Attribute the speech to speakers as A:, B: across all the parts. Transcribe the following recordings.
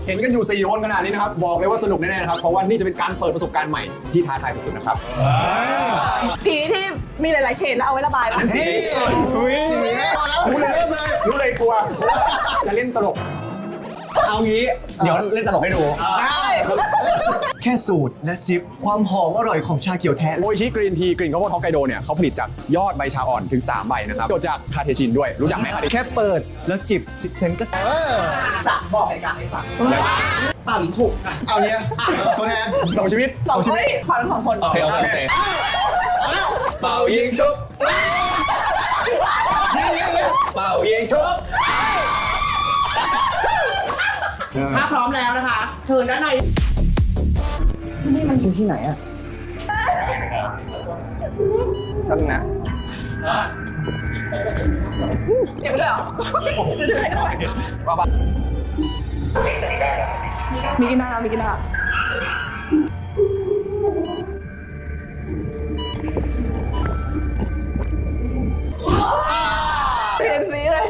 A: เห็นกันอยู่4คนขนาดนี้นะครับบอกเลยว่าสนุกแน่ๆนะครับเพราะว่านี่จะเป็นการเปิดประสบการณ์ใหม่ที่ท้าทายสุดๆนะครับ
B: ผีที่มีหลายๆเฉดแล้วเอาไว้ระบายป่ะ
A: สีรู้เลยเริ่มเลยรู้เลยกลัวจะเล่นตลก
C: เอางี้เดี๋ยวเล่นตลกให้ดู
A: ได้
C: แค่สูตรและซิปความหอมอร่อยของชาเขียวแท้
A: โออิชิกรีนทีกลิ่นข้าวโพดฮอกไกโดเนี่ยเขาผลิตจากยอดใบชาอ่อนถึง3ใบนะครับเกิดจากคาเทชินด้วยรู้จักไหมคาเทชิน
C: แค่เปิดแล้วจิบ10 เซนก็
B: จะบอกเหตุการณ์ให้ฟังเป่ายิงฉุก
A: เอาเนี้ยตัวแทนต่อชีวิต
B: สองคนผ่านทั้งสองคน
C: โอเคเป่ายิงชุบเป่ายิงชุบ
D: ถ้าพร้อมแล้วนะคะเชิญด้านใน
C: นี่มันคือที่ไหนอะตั้งนะ
B: เก็บไปเลยเหรอจะถือให้ด้วยมีกินได้แล้วมีกินได้แล้วเปลี่ยนสีเลย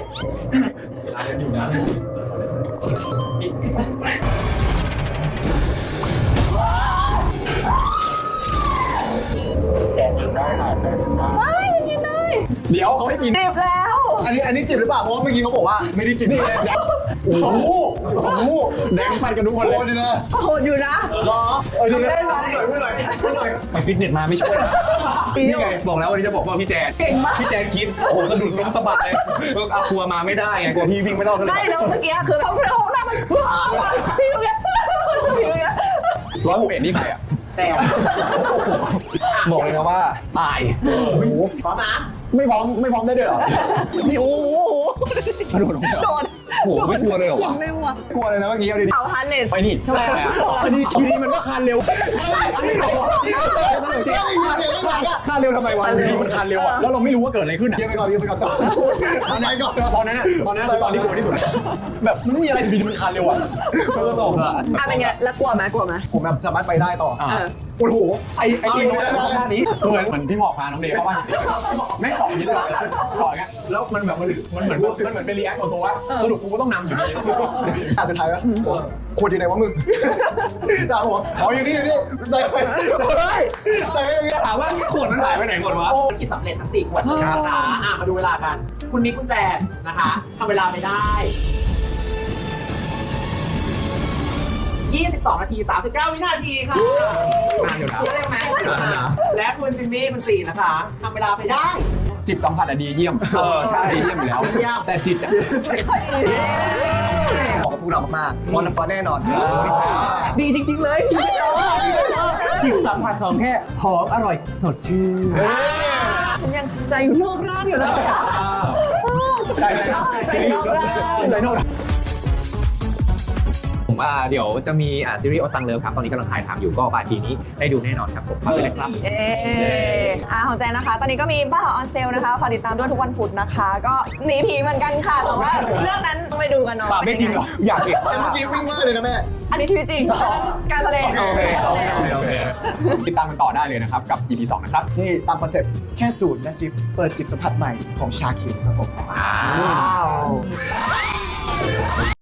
B: ไม่กินได้
A: เดี๋ยวเขาให้กิน
B: เจ็บแล้ว
C: อันนี้จิบหรือเปล่าเพราะว่าเมื่อกี้เขาบอกว่าไม่ได้จิบ
A: นี่เลยโอ้โหแดงปันกันทุกคนเลยนะ
B: โหดอยู่นะ
C: รอดูนะ
B: เล่นมา
C: ไปฟิตเนสมาไม่ช่วยนี่ไงบอกแล้ววันนี้จะบอกว่าพี่แจน
B: เก่งมาก
C: พี่แจนคิดโอ้โหกระดุดล้มสะบัดเลยเอาครัวมาไม่ได้ไงกลัวพี่วิ่งไม่รอดก็เลย
B: ไม่แล้วเมื่อกี้คือเขาห้องน้ำมันพี่ดูเนี่ยพี่ดูเนี่ย
A: 161นี่ใครอ่ะ
D: แจก
C: บอกเลยนะว่าตาย
D: พร้อมนะ
A: ไม่พร้อมได้ด้วยเหรอ
B: นี่โอ้โห
A: กระโดดลงไป
B: โดน
C: โอ้โหไม่กลัวเลยเหรอ
B: ยั
C: วะ
B: งเร็วอ่ะ
C: กลัวเลยนะเมื่อกี้เอาดิ
B: เอาฮันเลส
A: ไปนี่ทำไมอ่ะทีนี้มันก็คานเร็ว
C: ค่าเร็วทำไมวะ
A: ทีมันคานเร็วอ่ะแล้วเราไม่รู้ว่าเกิดอะไรขึ้นอ่ะ
C: เยี่ยมไปก่อนเยี่ยมไปก่อน
A: ตอนนั้นตอนนั้นคือตอนที่กลัวที่สุดแบบมันไม่มีอะไรดีๆมันคานเร็วอ่ะ
C: ก็ตกอ่ะ
B: อ่ะเป็นไงแล้วกลัวไหมกลัวไหม
C: ผมแบบสามารถไปได้ต่อ
A: โอ้โห
C: ไอ้ทีมด้านนี้
A: เหมือนพี่หมอกพาน้องเดย์เข้าบ้านแม่งต่อยิงเลยต่ออย่างเงี้ยแล้วมันแบบมันเหมือนเป็นรีแอคของตัวว่าสรุปกูก็ต้องนำอยู่ดี
C: สุดท้ายแล้วขวดอยู่ไหนวะมึงด่าผมเอาอยู่นี่ใส่ไปถามว่าขวดมันหายไปไหนหมดวะ
D: กินสำเร็จทั้ง4ขวดนะคะมาดูเวลากัน คุณมิกคุณแจนนะคะทำเวลาไปได้ 22 นาที 39 วินาทีค่ะนานอยู่นะเยอะไหมและคุณจิมมี่คุณ4นะคะทำเวลาไปได้
A: จิตสัมผัสอะดีเยี่ยมใช่ดีเยี่ยมอยู่แล้วแต่จิตอะ
C: บอกกับพวกเรามากๆวันน้ำปลาแน่นอน
B: ดีจริงๆเลย
C: จิตสัมผัสของแค่หอมอร่อยสดชื่น
B: ฉันยังใจอยู่นอกร่างอยู่เลย
A: ใจโน้ต
E: ผมเดี๋ยวจะมีซีรีส์โอซังเลิฟครับ ตอนนี้กำลังถ่ายทำอยู่ก็ปลายปีนี้ได้ดูแน่นอนครับผมฝากไว้เลยครับ
B: ของแจนนะคะ ตอนนี้ก็มีบ้านหอออนเซลนะคะฝากติดตามด้วยทุกวันพุธนะคะ ก็หนีผีเหมือนกันค่ะแต่ว่าเรื่องนั้นต้องไปดูกันเนาะ
A: ไม่จริงหรอ
C: อยากเห็นเมื่อกี้วิ่งมากเลยนะแม่
B: อันนี้ชีวิตจริงการแสดง
A: โอเคติดตามกันต่อได้เลยนะครับกับ EP 2นะครับ
C: นี่ตามคอนเซ็ปต์แค่สูตรและซิปเปิดจิบสัมผัสใหม่ของชาเขียวครับผม